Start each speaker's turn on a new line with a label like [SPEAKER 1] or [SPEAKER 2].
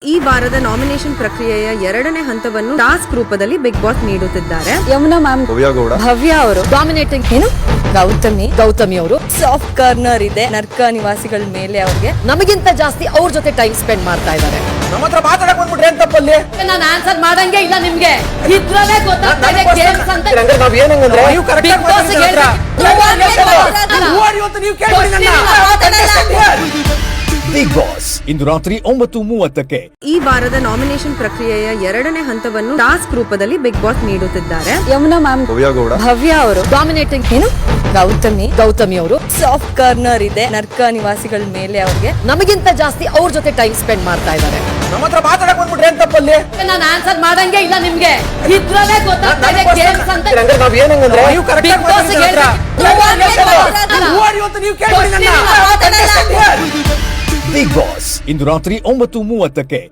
[SPEAKER 1] ಈ ವಾರದ ನಾಮಿನೇಷನ್ ಪ್ರಕ್ರಿಯೆಯ ಎರಡನೇ ಹಂತವನ್ನು ಟಾಸ್ಕ್ ರೂಪದಲ್ಲಿ ಬಿಗ್ ಬಾಸ್ ನೀಡುತ್ತಿದ್ದಾರೆ.
[SPEAKER 2] ಯಮುನಾ ಮ್ಯಾಮ್, ಭವ್ಯ ಅವರು ಡಾಮಿನೇಟಿಂಗ್, ಏನು ಗೌತಮಿ ಅವರು ಸಾಫ್ಟ್ ಕಾರ್ನರ್ ಇದೆ ನರ್ಕ ನಿವಾಸಿಗಳ ಮೇಲೆ. ಅವ್ರಿಗೆ ನಮಗಿಂತ ಜಾಸ್ತಿ ಅವ್ರ ಜೊತೆ ಟೈಮ್ ಸ್ಪೆಂಡ್ ಮಾಡ್ತಾ ಇದ್ದಾರೆ.
[SPEAKER 3] ನಮ್ಮ ಹತ್ರ ಮಾತಾಡಕ್ ಬಂದ್ಬಿಟ್ರೆ ಏನ್ ತಪ್ಪಲ್ಲಿ?
[SPEAKER 2] ನಾನು ಆನ್ಸರ್ ಮಾಡಂಗೆ ಇಲ್ಲ ನಿಮ್ಗೆ. ಇದ್ರಲ್ಲೇ ಗೊತ್ತಾಗ್ತಾ ಇದೆ ಗೇಮ್ಸ್ ಅಂತ.
[SPEAKER 3] ನಾವ್ ಏನಂದ್ರೆ ನೀವು ಕರೆಕ್ಟ್
[SPEAKER 2] Big Boss ಗೆ
[SPEAKER 3] ನೀವು ಕೇಳ್ಬಿಡಿ ನನ್ನ.
[SPEAKER 4] ಬಿಗ್ ಬಾಸ್ ಇಂದು ರಾತ್ರಿ 9:30ಕ್ಕೆ.
[SPEAKER 1] ಈ ವಾರದ ನಾಮಿನೇಷನ್ ಪ್ರಕ್ರಿಯೆಯ ಎರಡನೇ ಹಂತವನ್ನು ಟಾಸ್ಕ್ ರೂಪದಲ್ಲಿ ಬಿಗ್ ಬಾಸ್ ನೀಡುತ್ತಿದ್ದಾರೆ.
[SPEAKER 2] ಯಮುನಾ ಮ್ಯಾಮ್, ಭವ್ಯ ಅವರು ಡಾಮಿನೇಟಿಂಗ್, ಏನು ಗೌತಮಿ ಅವರು ಸಾಫ್ಟ್ ಕಾರ್ನರ್ ಇದೆ ನರ್ಕ ನಿವಾಸಿಗಳ ಮೇಲೆ. ಅವ್ರಿಗೆ ನಮಗಿಂತ ಜಾಸ್ತಿ ಅವ್ರ ಜೊತೆ ಟೈಮ್ ಸ್ಪೆಂಡ್ ಮಾಡ್ತಾ ಇದ್ದಾರೆ.
[SPEAKER 3] ನಮ್ಮ ಹತ್ರ ಮಾತಾಡಕ್ ಬಂದ್ಬಿಟ್ರೆ ಏನ್ ತಪ್ಪಲ್ಲಿ?
[SPEAKER 2] ನಾನು ಆನ್ಸರ್ ಮಾಡಂಗೆ ಇಲ್ಲ ನಿಮ್ಗೆ. ಇದ್ರಲ್ಲೇ ಗೊತ್ತಾಗ್ತಾ ಇದೆ ಗೇಮ್ಸ್ ಅಂತ.
[SPEAKER 3] ನಾವ್ ಏನಂದ್ರೆ ನೀವು ಕರೆಕ್ಟ್
[SPEAKER 2] Big Boss ಗೆ
[SPEAKER 3] ನೀವು ಕೇಳ್ಬಿಡಿ ನನ್ನ.
[SPEAKER 4] ಬಿಗ್ ಬಾಸ್ ಇಂದು ರಾತ್ರಿ 9:30ಕ್ಕೆ.